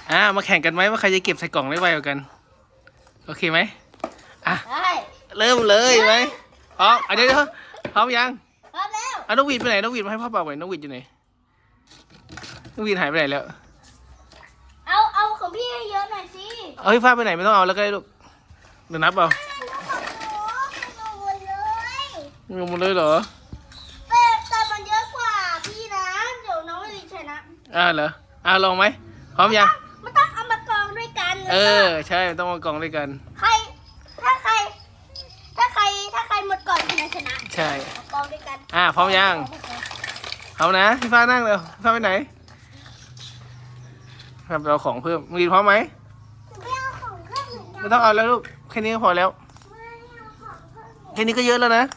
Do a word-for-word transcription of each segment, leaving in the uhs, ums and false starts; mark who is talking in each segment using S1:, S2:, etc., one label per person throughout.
S1: อ่ามาแข่งกันไหมว่าใครจะเก็บใส่กล่องได้ไวกว่ากันโอเคไหมอ่ะเริ่มเลยไหมพร้อมอ่ะเดี๋ยวพร้อมยัง
S2: พร้อมแล้ว
S1: อ่ะนกหวีดไปไหนนกหวีดมาให้พ่อเป่าหน่อยนกหวีดอยู่ไหนนกหวีดหายไปไหนแล้ว
S2: เอาเอาของพี่เยอะหน่อยสิ
S1: เอาพี่ฟ้าไปไหนไม่ต้องเอาแล้วก็ได้ลูกเดี๋ยวนับเอางงหมดเลยเหรอ
S2: แต่แต่มันเยอะกว่าพี่นะเดี๋ยวน้องไม่รีชนะ
S1: อ่าเหรออ่าลองไหมพร้อมยัง
S2: มันต้องเอามากองด้วยกัน
S1: เออใช่ต้องมากองด้วยกัน
S2: ใครถ้าใครถ้าใครถ้าใครหมดก่อนชนะชนะ
S1: ใช่
S2: กองด้วยกัน
S1: อ่าพร้อมยังพร้อมนะพี่ฟ้านั่งเร็วพี่ฟ้าไปไหนครับเราของเพิ่มมึงกินพร้อมไหม
S2: ไม่เอาของเพิ่ม
S1: ไม่ต้องเอาแล้วลูกแค่นี้ก็พอแล้วแค่นี้ก็เยอะแล้วนะ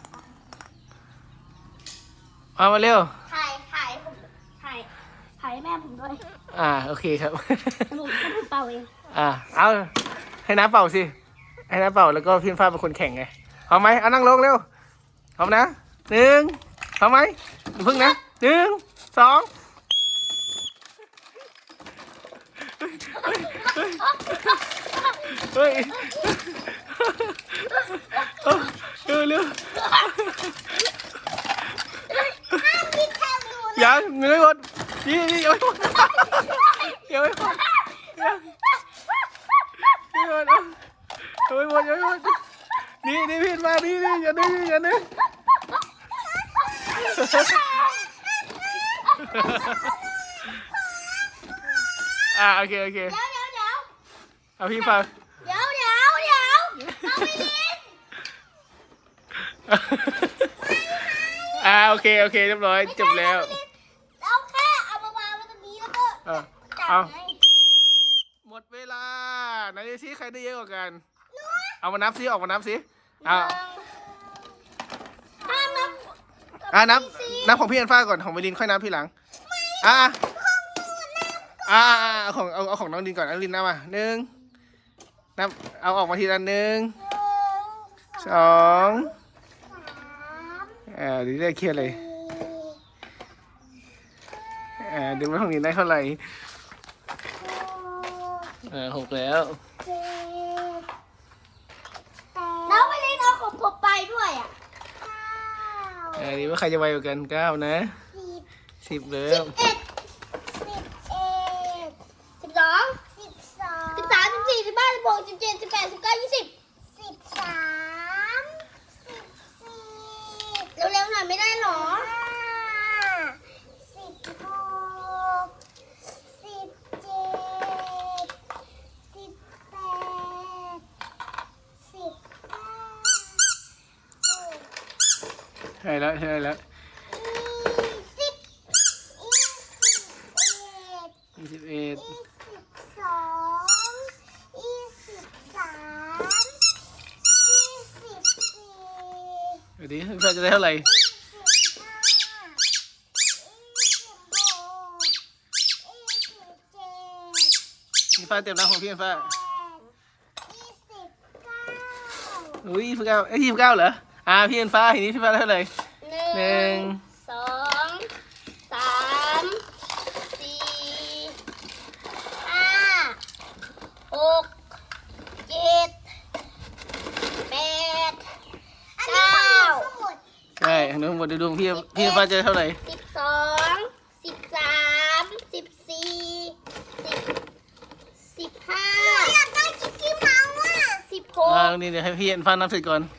S1: เอามาเร็ว
S2: ถ่ายถ่ายผมถ่ายถ่ายแม่ผมด้วย
S1: อ่าโอเคครับ
S2: ผมผมเป่าเอง
S1: อ่าเอาให้น้าเป่าสิให้น้าเป่าแล้วก็พี่ฟ้าเป็นคนแข่งไงพร้อมไหมเอานั่งลงเร็วพร้อมนะหนึ่งพร้อมไหมพึ่งนะหนึ่งสองเฮ้ยเร็วเร็วยังเงยหมดนี่นี่ยังไม่หมดยังไม่หมดยังไม่หมดยังไม่หมดยังไม่หมดนี่นี่พี่มานี่นี่อย่าดื้ออย่าดื้ออ่าโอเคโอเค
S2: เดี๋ยวเดี๋ยวเดี๋ยว
S1: เอาพี่ฟัง
S2: เดี๋ยวเดี๋ยวเดี๋ยวเอาไปลิน
S1: อ่าโอเคโอเคเรียบร้อยจบแล้ว
S2: เอาแค่เอามาวางไว้ตรงนี้แล้วก็
S1: เอาหมดเวลาไหนดูซิใครได้เยอะกว่ากันเอามานับซิออกมานับซิอ่า
S2: นับ
S1: อ่านับนับของพี่อันฟ้าก่อนของเมลินค่อยนับพี่หลังอ่าอ่าของเอาเอาของน้องดินก่อนน้องดินนับมาหนึ่งนับเอาออกมาทีละหนึ่งสองอ่าดีได้เครียดเลยอ่าดูว่าของดินได้เท่าไหร่อ่าหกแล้ว
S2: น้องไปเล่นเอาของผมไปด้วยอ่ะ
S1: อ่าดีว่าใครจะไวกว่ากันเก้านะสิบเลย
S2: สิบเอ็ดสิบสองสิบสองสิบสามสิบสี่สิบห้าสิบหกสิบเจ็ดสิบแปดสิบเก้ายี่สิบสิบสามสิบสี่เร็วๆหน่อยไม่ได้หรอสิบหกสิบเจ็ดสิบแปดสิบเก้า
S1: ใช่แล้วใช่แล้วยี่สิบเอ็ด
S2: ยี่สิบสองยี่สิบสามยี่สิบสี่
S1: เดี๋ยวดิพี่ฟ้าจะได้เท่าไหร่พี่ฟ้าเต็มน้ำของพี่ฟ้าอุ้ยยี่สิบเก้าเอ้ยยี่สิบเก้าเหรออ่าพี่ฟ้าทีนี้พี่ฟ้าได้เท่าไหร่หนึ่ง
S2: สองสามสี่ห้าหกเจ็ดแปดเก้า
S1: ใช่ทั้งหมดดูพี่พี่ฟ้าจะเท่าไหร่
S2: สิบสองสิบสามสิบสี่สิบสิบห้าอยากได้จิ๊กกี้เมาส์อ่ะสิบหก
S1: อ่านี่เดี๋ยวให้พี่ฟ้านับเสร็จก่อน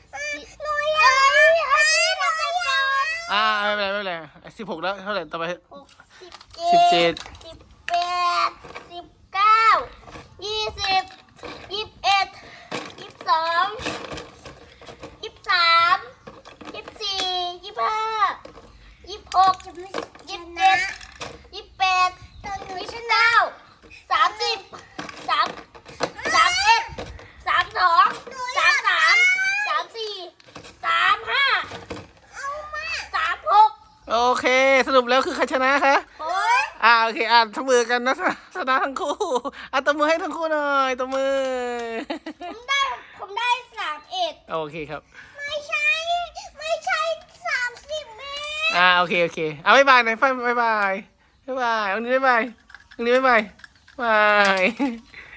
S1: อ่าไม่เป็นไรไม่เป็นไรสิบหกแล้วเท่าไหร่ต่อไปสิบเจ็ด
S2: สิบแปดสิบเก้ายี่สิบยี่สิบเอ็ดยี่สิบสองยี่สิบสามยี่สิบสี่ยี่สิบห้ายี่สิบหกยี่สิบเจ็ดยี่สิบแปดยี่สิบเก้าสามสิบสามสามเอ็ดสามสองสามสามสามสี่สามห้าสามหก
S1: โอเคสรุปแล้วคือใครชนะคะอ่าโอเคอ่านทำมือกันนะชนะทั้งคู่อ่ะตบมือให้ทั้งคู่หน่อยตบมือ
S2: ผมได้ผมได้สามเอ็ด
S1: โอเคครับ
S2: ไม่ใช่ไม่ใช่สามสิบเมตร
S1: อ่าโอเคโอเคเอาบ๊ายบายหน่อยฟ้าบ๊ายบายบ๊ายบายวันนี้บ๊ายบายวันนี้บ๊ายบายบาย